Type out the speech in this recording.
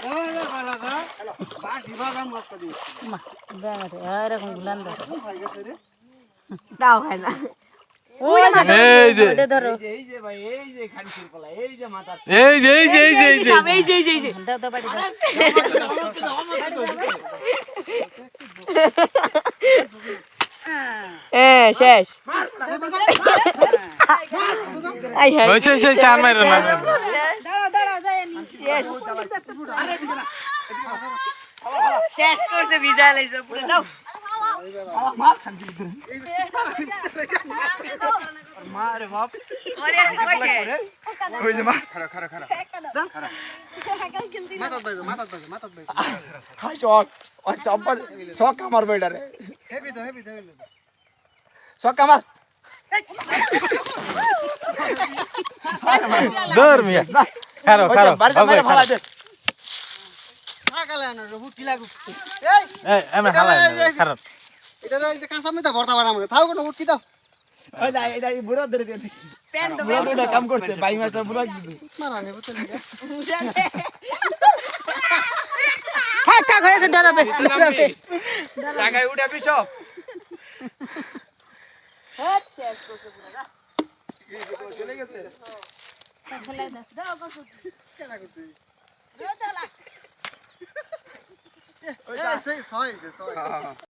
এরকম গুলান তাও হয় না এই যে ধরো এই যে ভাই এই যে খানসির পোলা এই যে মাথা এই যে এই যে এই যে এই যে দাও দাও বাড়ি দাও শেষ ওই সেই চার মাইরো না দাঁড়াও দাঁড়াও যায়নি শেষ করছে ভিজা লাইছে পুরো দাও মারে বাপ ওরে শেষ ওই যে মা খারা খারা খারা মাথা বাই হাই শক ও চম্পা শক আমার বেডারে হেভি শক আমার দূর মিয়া খারো খারো বাবা ভালো দে কাকালে না রবু কি লাগু এই আমি হালাই খারো এটা এই কাঁচা মেটা ভর্তা বানাম থাও কোন উঠকি দাও ওই না এটা বুড়া ধরে দে পেন তো বুড়া কাম করতে বাই মাস্টার বুড়া দিদু মারানে বুঝলি থাক থাক হয়েছে ডরাবে টাকায় উঠাবি সব হট শেষ করছে পুরো না চলে গেছে ফেলাই দাও দাও কত কেনা করতে দাও দাও ওই সেই 6 হইছে 6